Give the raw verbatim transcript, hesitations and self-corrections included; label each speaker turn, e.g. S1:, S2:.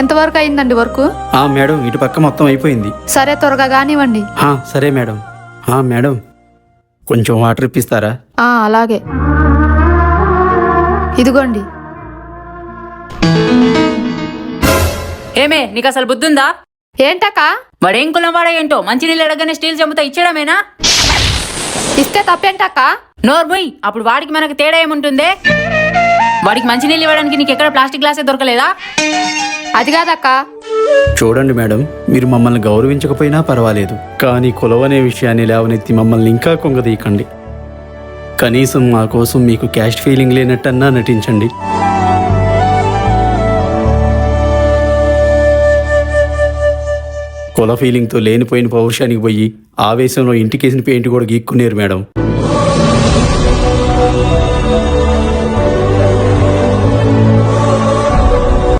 S1: ఎంతవరకు అయిందండి వర్క్?
S2: ఆ మేడం ఇటు పక్క మొత్తం అయిపోయింది.
S1: సరే త్వరగా కానివ్వండి.
S2: ఆ, సరే మేడం. ఆ మేడం కొంచెం వాటర్ ఇప్పిస్తారా?
S1: ఆ అలాగే, ఇదిగోండి.
S3: ఏమే నీకు అసలు బుద్ధుందా?
S1: ఏంటక్క?
S3: వాడేం కులం వాడా ఏంటో మంచినీళ్ళు అడగనే స్టీల్ చెంబుతా ఇచ్చడమేనా?
S1: ఇస్తే తప్పేంటక్క?
S3: నోర్ముయ్, అప్పుడు వాడికి మనకు తేడా ఏముంటుందే? వాడికి మంచినీళ్ళు ఇవ్వడానికి నీకు ఎక్కడ ప్లాస్టిక్ గ్లాసే దొరకలేదా?
S1: అది కాదక్క.
S2: చూడండి మేడం, మీరు మమ్మల్ని గౌరవించకపోయినా పర్వాలేదు, కానీ కులం అనే విషయాన్ని లేవనెత్తి మమ్మల్ని ఇంకా కొంగదీయకండి. కనీసం మా కోసం మీకు క్యాస్ట్ ఫీలింగ్ లేనట్టన్నా నటించండి. కుల ఫీలింగ్తో లేనిపోయిన పౌరుషానికి పోయి ఆవేశంలో ఇంటికేసిన పెయింట్ కూడా గీక్కునేరు మేడం.